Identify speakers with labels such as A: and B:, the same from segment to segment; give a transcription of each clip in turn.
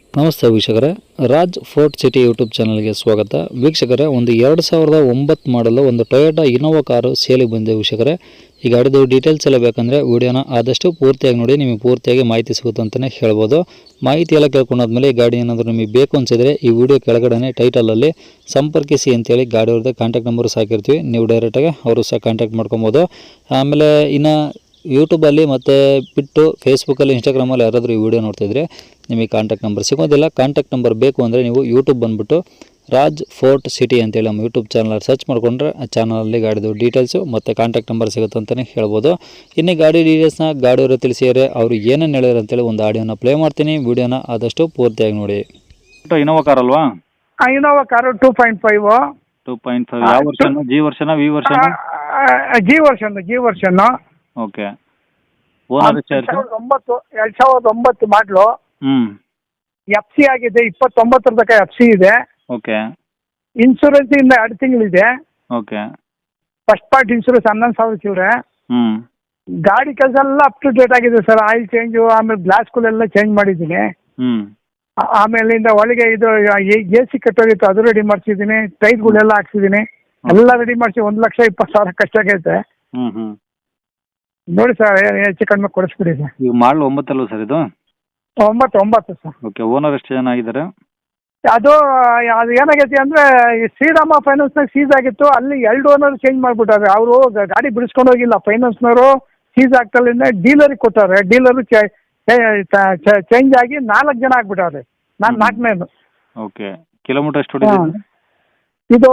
A: ನಮಸ್ತೆ ವೀಕ್ಷಕರೇ, Raj fort city YouTube ಚಾನಲ್ಗೆ ಸ್ವಾಗತ. ವೀಕ್ಷಕರೇ, ಒಂದು 2009 ಮಾಡಲು ಒಂದು ಟೊಯೋಟಾ ಇನೋವಾ ಕಾರು ಸೇಲಿಗೆ ಬಂದಿದೆ. ವೀಕ್ಷಕರೇ, ಈ ಗಾಡಿದು ಡೀಟೇಲ್ಸ್ ಎಲ್ಲ ಬೇಕಂದರೆ ವಿಡಿಯೋನ ಆದಷ್ಟು ಪೂರ್ತಿಯಾಗಿ ನೋಡಿ, ನಿಮಗೆ ಪೂರ್ತಿಯಾಗಿ ಮಾಹಿತಿ ಸಿಗುತ್ತೆ ಅಂತಲೇ ಹೇಳ್ಬೋದು. ಮಾಹಿತಿ ಎಲ್ಲ ಕೇಳ್ಕೊಂಡಾದ್ಮೇಲೆ ಈ ಗಾಡಿ ಏನಾದರೂ ನಿಮಗೆ ಬೇಕು ಅನಿಸಿದರೆ ಈ ವಿಡಿಯೋ ಕೆಳಗಡೆ ಟೈಟಲಲ್ಲಿ ಸಂಪರ್ಕಿಸಿ ಅಂತೇಳಿ ಗಾಡಿ ಅವ್ರದ್ದು ಕಾಂಟ್ಯಾಕ್ಟ್ ನಂಬರ್ ಸಾಕಿರ್ತೀವಿ. ನೀವು ಡೈರೆಕ್ಟಾಗಿ ಅವರು ಸಹ ಕಾಂಟ್ಯಾಕ್ಟ್ ಮಾಡ್ಕೊಬೋದು. ಆಮೇಲೆ ಇನ್ನು ಯೂಟ್ಯೂಬಲ್ಲಿ ಮತ್ತು ಬಿಟ್ಟು ಫೇಸ್ಬುಕ್ಕಲ್ಲಿ, ಇನ್ಸ್ಟಾಗ್ರಾಮಲ್ಲಿ ಯಾರಾದರೂ ಈ ವಿಡಿಯೋ ನೋಡ್ತಿದ್ರೆ ನಿಮಗೆ ಕಾಂಟ್ಯಾಕ್ಟ್ ನಂಬರ್ ಸಿಗೋದಿಲ್ಲ. ಕಾಂಟ್ಯಾಕ್ಟ್ ನಂಬರ್ ಬೇಕು ಅಂದರೆ ನೀವು ಯೂಟ್ಯೂಬ್ ಬಂದುಬಿಟ್ಟು ರಾಜ್ ಫೋರ್ಟ್ ಸಿಟಿ ಅಂತೇಳಿ ನಮ್ಮ ಯೂಟ್ಯೂಬ್ ಚಾನಲ್ ಸರ್ಚ್ ಮಾಡಿಕೊಂಡ್ರೆ ಆ ಚಾನಲಲ್ಲಿ ಗಾಡಿದು ಡೀಟೇಲ್ಸು ಮತ್ತು ಕಾಂಟ್ಯಾಕ್ಟ್ ನಂಬರ್ ಸಿಗುತ್ತೆ ಅಂತಲೇ ಹೇಳ್ಬೋದು. ಇನ್ನು ಗಾಡಿ ಡೀಟೇಲ್ಸ್ನ ಗಾಡಿಯವರು ತಿಳಿಸಿದರೆ ಅವರು ಏನೇನು ಹೇಳಿದ್ರು ಅಂತೇಳಿ ಒಂದು ಆಡಿಯೋನ ಪ್ಲೇ ಮಾಡ್ತೀನಿ. ವಿಡಿಯೋನ ಆದಷ್ಟು ಪೂರ್ತಿಯಾಗಿ ನೋಡಿ. ಇನೋವಾ ಕಾರ್ ಅಲ್ವಾ?
B: Innova car 2.5.
A: 2.5 ಯಾವ version? G version, V version?
B: G version.
A: Okay. Owner ಎಷ್ಟು?
B: 2009 ಮಾಡಲು. FC ಆಗಿದೆ, 29 ತನಕ FC ಇದೆ.
A: ಓಕೆ.
B: ಇನ್ಶೂರೆನ್ಸ್ ಇಂದ 2 ತಿಂಗಳಿದೆ.
A: ಓಕೆ.
B: ಫಸ್ಟ್ ಪಾರ್ಟ್ ಇನ್ಶೂರೆನ್ಸ್ 11,000 ಚಿಲ್ಲರೆ. ಗಾಡಿ ಕೆಲಸ ಎಲ್ಲ ಅಪ್ ಟು ಡೇಟ್ ಆಗಿದೆ ಸರ್. ಆಯಿಲ್ ಚೇಂಜು, ಆಮೇಲೆ ಗ್ಲಾಸ್ಗಳೆಲ್ಲ ಚೇಂಜ್ ಮಾಡಿದ್ದೀನಿ. ಆಮೇಲಿಂದ ಒಳಗೆ ಇದು AC ಕಟ್ಟೋಗಿತ್ತು, ಅದು ರೆಡಿ ಮಾಡಿಸಿದ್ದೀನಿ. ಟೈರ್ಗಳೆಲ್ಲ ಹಾಕ್ಸಿದ್ದೀನಿ, ಎಲ್ಲ ರೆಡಿ ಮಾಡಿಸಿ 1,20,000 ಕಷ್ಟಾಗೈತೆ. ನೋಡಿ ಸರ್, ಹೆಚ್ಚು ಕಡಿಮೆ ಕೊಡಿಸ್ಬಿಡಿ ಸರ್.
A: ಈಗ ಮಾಡಲು 9 ಅಲ್ವ ಸರ್ ಇದು?
B: 9 ಸರ್.
A: ಓಕೆ. ಓನರ್ ಎಷ್ಟು ಜನ ಆಗಿದ್ದಾರೆ?
B: ಅದು ಏನಾಗೈತಿ ಅಂದರೆ, ಶ್ರೀರಾಮ ಫೈನಾನ್ಸ್ನಾಗ ಸೀಸ್ ಆಗಿತ್ತು, ಅಲ್ಲಿ 2 ಓನರ್ ಚೇಂಜ್ ಮಾಡಿಬಿಟ್ಟಾರೆ. ಅವರು ಗಾಡಿ ಬಿಡಿಸ್ಕೊಂಡು ಹೋಗಿಲ್ಲ, ಫೈನಾನ್ಸ್ನವರು ಸೀಸ್ ಆಗ್ತಲ್ಲಿಂದ ಡೀಲರಿಗೆ ಕೊಟ್ಟಾರೆ. ಡೀಲರು ಚೇಂಜ್ ಆಗಿ 4 ಜನ ಆಗ್ಬಿಟ್ಟಾರೆ. ನಾನು 4ನೇದು.
A: ಓಕೆ. ಕಿಲೋಮೀಟರ್ ಎಷ್ಟು ಹೊಡಿದೆ
B: ಇದು?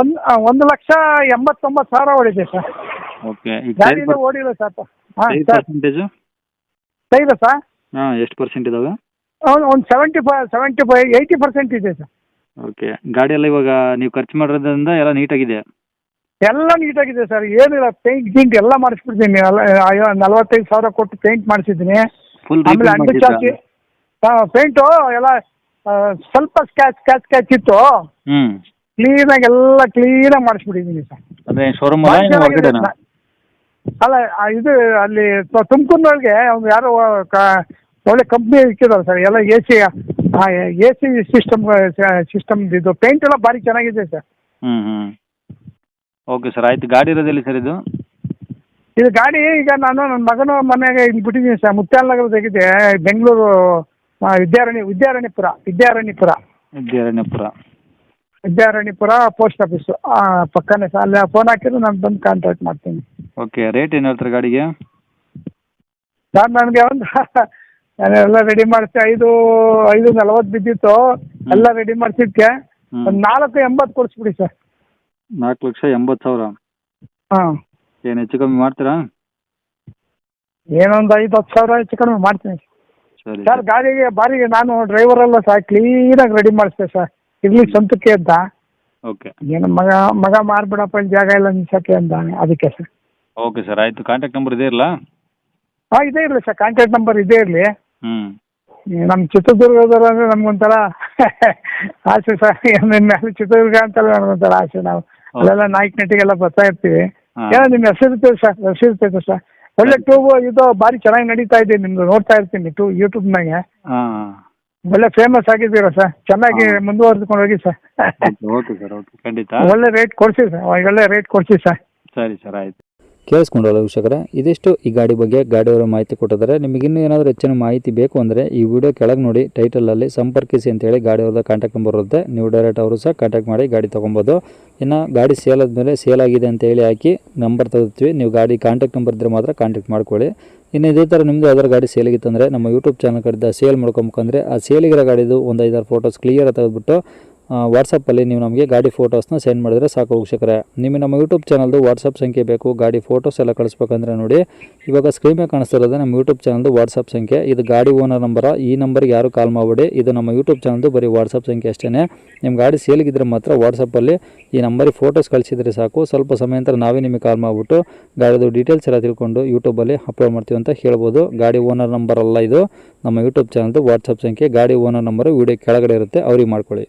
B: 1,89,000 ಹೊಡಿದೆ ಸರ್.
A: ಓಕೆ.
B: ಗಾಡಿಯಿಂದ ಓಡಿಲ್ಲ ಸರ್. ಹಾಂ ಸರ್.
A: ಪರ್ಸೆಂಟೇಜು
B: ಸೈದ ಸರ್?
A: ಹಾಂ, ಎಷ್ಟು ಪರ್ಸೆಂಟ್ ಇದಾವೆ?
B: ಒಂದು 80% ಇದೆ ಸರ್.
A: ಓಕೆ. ಗಾಡಿ ಎಲ್ಲ ಇವಾಗ ನೀವು ಖರ್ಚು ಮಾಡೋದ್ರಿಂದ ಎಲ್ಲ ನೀಟಾಗಿದೆ?
B: ಎಲ್ಲ ನೀಟಾಗಿದೆ ಸರ್, ಏನಿಲ್ಲ. ಪೇಂಟ್ ಗೀಂಟ್ ಎಲ್ಲ ಮಾಡಿಸ್ಬಿಡ್ತೀನಿ. 45,000 ಕೊಟ್ಟು ಪೇಂಟ್ ಮಾಡಿಸಿದ್ದೀನಿ.
A: ಫುಲ್
B: ಆಮೇಲೆ ಅಂಡು ಚಾಚಿ ಪೇಂಟು ಎಲ್ಲ ಸ್ವಲ್ಪ ಸ್ಕ್ಯಾಚ್ ಇತ್ತು. ಕ್ಲೀನಾಗಿ ಎಲ್ಲ ಕ್ಲೀನಾಗಿ ಮಾಡಿಸ್ಬಿಟ್ಟಿದ್ದೀನಿ ಸರ್.
A: ಅಂದರೆ ಶೋರೂಮ್
B: ಅಲ್ಲ, ಇದು ಅಲ್ಲಿ ತುಮಕೂರಿನೊಳಗೆ ಒಂದು ಯಾರೋ ಒಳ್ಳೆ ಕಂಪ್ನಿ ಇಕ್ಕಿದ್ದಾರೆ ಸರ್. ಎಲ್ಲ AC ಸಿಸ್ಟಮ್ ಇದು ಪೇಂಟ್ ಎಲ್ಲ ಭಾರಿ ಚೆನ್ನಾಗಿದೆ ಸರ್.
A: ಓಕೆ ಸರ್, ಆಯ್ತು. ಗಾಡಿ ಇರೋದಿಲ್ಲ ಸರ್ ಇದು?
B: ಇದು ಗಾಡಿ ಈಗ ನಾನು ನನ್ನ ಮಗನ ಮನೆಗೆ ಇಲ್ಲಿ ಬಿಟ್ಟಿದ್ದೀನಿ ಸರ್. ಮುತ್ಯಾಲನಗರದಾಗಿದೆ, ಬೆಂಗಳೂರು ವಿದ್ಯಾರಣ್ಯಪುರ ಪೋಸ್ಟ್ ಆಫೀಸು ಪಕ್ಕನೇ ಸರ್. ಅಲ್ಲಿ ಫೋನ್ ಹಾಕಿದ್ರೆ ನಾನು ಬಂದು ಕಾಂಟ್ಯಾಕ್ಟ್ ಮಾಡ್ತೀನಿ.
A: ಓಕೆ. ರೇಟ್ ಏನು ಹೇಳ್ತಾರೆ ಗಾಡಿಗೆ?
B: ಸರ್ ನನಗೆ ನಾನೆಲ್ಲ ರೆಡಿ ಮಾಡಿಸಿ 5,40 ಬಿದ್ದಿತ್ತು. ಎಲ್ಲ ರೆಡಿ ಮಾಡಿಸಿದ್ಕೆ ಒಂದು 4,80,000 ಕೊಡಿಸ್ಬಿಡಿ ಸರ್.
A: 4,80,000?
B: ಹಾಂ.
A: ಏನು ಹೆಚ್ಚು ಕಮ್ಮಿ ಮಾಡ್ತೀರಾ?
B: ಏನೊಂದು 5-10,000 ಹೆಚ್ಚು ಕಡಿಮೆ ಮಾಡ್ತೀನಿ
A: ಸರಿ
B: ಸರ್. ಗಾಡಿಗೆ ಬಾರಿಗೆ ನಾನು ಡ್ರೈವರ್ ಅಲ್ಲ ಸರ್, ಕ್ಲೀನಾಗಿ ರೆಡಿ ಮಾಡಿಸ್ತೇವೆ ಸರ್. ಇರ್ಲಿ ಸ್ವಂತಕ್ಕೆ ಅಂತ.
A: ಓಕೆ.
B: ಏನು ಮಗ ಮಾರ್ಬಿಡಪ್ಪ, ಇಲ್ಲಿ ಜಾಗ ಇಲ್ಲ ನಿಲ್ಸಕ್ಕೆ ಅಂತಾನೆ, ಅದಕ್ಕೆ ಸರ್.
A: ಓಕೆ ಸರ್, ಆಯಿತು. ಕಾಂಟ್ಯಾಕ್ಟ್ ನಂಬರ್ ಇದೇ ಇರಲ್ಲ?
B: ಹಾಂ, ಇದೇ ಇರಲಿ ಸರ್. ಕಾಂಟ್ಯಾಕ್ಟ್ ನಂಬರ್ ಇದೇ ಇರಲಿ. ನಮ್ಮ ಚಿತ್ರದುರ್ಗದವ್ರು ಅಂದರೆ ನಮ್ಗೊಂಥರ ಆಸೆ ಸರ್. ನಿಮ್ಮ ಮೇಲೆ ಚಿತ್ರದುರ್ಗ ಅಂತಲ್ಲ ನಮ್ಗೊಂಥರ ಆಸೆ. ನಾವು ಅಲ್ಲೆಲ್ಲ ನಾಯಕನಟ್ಟಿಗೆಲ್ಲ ಬರ್ತಾ ಇರ್ತೀವಿ. ಏನೋ ನಿಮ್ಮ ಹೆಸರಿರ್ತೇವೆ ಸರ್, ಹೆಸರಿರ್ತೈತೆ ಸರ್. ಒಳ್ಳೆ ಇದು ಭಾರಿ ಚೆನ್ನಾಗಿ ನಡೀತಾ ಇದೆ ನಿಮ್ಮದು. ನೋಡ್ತಾ ಇರ್ತೀನಿ ಯೂಟ್ಯೂಬ್ನಾಗೆ. ಒಳ್ಳೆ ಫೇಮಸ್ ಆಗಿದ್ದೀರಾ ಸರ್. ಚೆನ್ನಾಗಿ ಮುಂದುವರೆದುಕೊಂಡು ಹೋಗಿ ಸರ್.
A: ಓಕೆ ಸರ್, ಓಕೆ, ಖಂಡಿತ.
B: ಒಳ್ಳೆ ರೇಟ್ ಕೊಡಿಸಿ ಸರ್, ಒಳ್ಳೆ ರೇಟ್ ಕೊಡಿಸಿ ಸರ್.
A: ಸರಿ ಸರ್, ಆಯಿತು. ಕೇಳಿಸ್ಕೊಂಡಲ್ಲ ವೀಕ್ಷಕರೇ, ಇದಿಷ್ಟು ಈ ಗಾಡಿ ಬಗ್ಗೆ ಗಾಡಿಯವರ ಮಾಹಿತಿ ಕೊಟ್ಟಿದ್ದಾರೆ. ನಿಮಗಿನ್ನೂ ಏನಾದರೂ ಹೆಚ್ಚಿನ ಮಾಹಿತಿ ಬೇಕು ಅಂದರೆ ಈ ವಿಡಿಯೋ ಕೆಳಗೆ ನೋಡಿ ಟೈಟಲಲ್ಲಿ ಸಂಪರ್ಕಿಸಿ ಅಂತೇಳಿ ಗಾಡಿಯವ್ರದ್ದು ಕಾಂಟ್ಯಾಕ್ಟ್ ನಂಬರ್ ಇರುತ್ತೆ. ನೀವು ಡೈರೆಕ್ಟ್ ಅವರು ಸಹ ಕಾಂಟ್ಯಾಕ್ಟ್ ಮಾಡಿ ಗಾಡಿ ತೊಗೊಬೋದು. ಇನ್ನು ಗಾಡಿ ಸೇಲ್ ಆದಮೇಲೆ ಸೇಲ್ ಆಗಿದೆ ಅಂತೇಳಿ ಹಾಕಿ ನಂಬರ್ ತೆಗೆದುತ್ತೀವಿ. ನೀವು ಗಾಡಿ ಕಾಂಟ್ಯಾಕ್ಟ್ ನಂಬರ್ ಇದ್ದರೆ ಮಾತ್ರ ಕಾಂಟ್ಯಾಕ್ಟ್ ಮಾಡ್ಕೊಳ್ಳಿ. ಇನ್ನು ಇದೇ ಥರ ನಿಮ್ಮದು ಯಾವ್ದಾರು ಗಾಡಿ ಸೇಲಿಗಿತ್ತಂದರೆ ನಮ್ಮ ಯೂಟ್ಯೂಬ್ ಚಾನಲ್ ಕಡೆದ ಸೇಲ್ ಮಾಡ್ಕೊಬೇಕಂದ್ರೆ ಆ ಸೇಲಿಗಿರೋ ಗಾಡಿದು ಒಂದು 5-6 ಫೋಟೋಸ್ ಕ್ಲಿಯರ್ ತೆಗೆದುಬಿಟ್ಟು ವಾಟ್ಸಪ್ಪಲ್ಲಿ ನೀವು ನಮಗೆ ಗಾಡಿ ಫೋಟೋಸ್ನ ಸೆಂಡ್ ಮಾಡಿದರೆ ಸಾಕು ವೀಕ್ಷಕರೇ. ನಿಮಗೆ ನಮ್ಮ ಯೂಟ್ಯೂಬ್ ಚಾನಲ್ದು ವಾಟ್ಸಪ್ ಸಂಖ್ಯೆ ಬೇಕು, ಗಾಡಿ ಫೋಟೋಸ್ ಎಲ್ಲ ಕಳಿಸ್ಬೇಕಂದ್ರೆ ನೋಡಿ ಇವಾಗ ಸ್ಕ್ರೀನ್ ಮೇಲೆ ಕಾಣಿಸ್ತಿರೋದು ನಮ್ಮ ಯೂಟ್ಯೂಬ್ ಚಾನಲ್ದು ವಾಟ್ಸಪ್ ಸಂಖ್ಯೆ. ಇದು ಗಾಡಿ ಓನರ್ ನಂಬರ. ಈ ನಂಬರ್ಗೆ ಯಾರು ಕಾಲ್ ಮಾಡಬೇಡಿ, ಇದು ನಮ್ಮ ಯೂಟ್ಯೂಬ್ ಚಾನಲ್ದು ಬರೀ ವಾಟ್ಸಪ್ ಸಂಖ್ಯೆ ಅಷ್ಟೇ. ನಿಮ್ಮ ಗಾಡಿ ಸೇಲಿಗಿದ್ರೆ ಮಾತ್ರ ವಾಟ್ಸಪ್ಪಲ್ಲಿ ಈ ನಂಬರಿಗೆ ಫೋಟೋಸ್ ಕಳಿಸಿದರೆ ಸಾಕು. ಸ್ವಲ್ಪ ಸಮಯ ನಂತರ ನಾವೇ ನಿಮಗೆ ಕಾಲ್ ಮಾಡಿಬಿಟ್ಟು ಗಾಡಿದು ಡೀಟೇಲ್ಸ್ ಎಲ್ಲ ತಿಳ್ಕೊಂಡು ಯೂಟ್ಯೂಬಲ್ಲಿ ಅಪ್ಲೋಡ್ ಮಾಡ್ತೀವಿ ಅಂತ ಹೇಳ್ಬೋದು. ಗಾಡಿ ಓನರ್ ನಂಬರ್ ಅಲ್ಲ ಇದು, ನಮ್ಮ ಯೂಟ್ಯೂಬ್ ಚಾನಲ್ದು ವಾಟ್ಸಪ್ ಸಂಖ್ಯೆ. ಗಾಡಿ ಓನರ್ ನಂಬರು ವೀಡಿಯೋ ಕೆಳಗಡೆ ಇರುತ್ತೆ, ಅವ್ರಿಗೆ ಮಾಡ್ಕೊಳ್ಳಿ.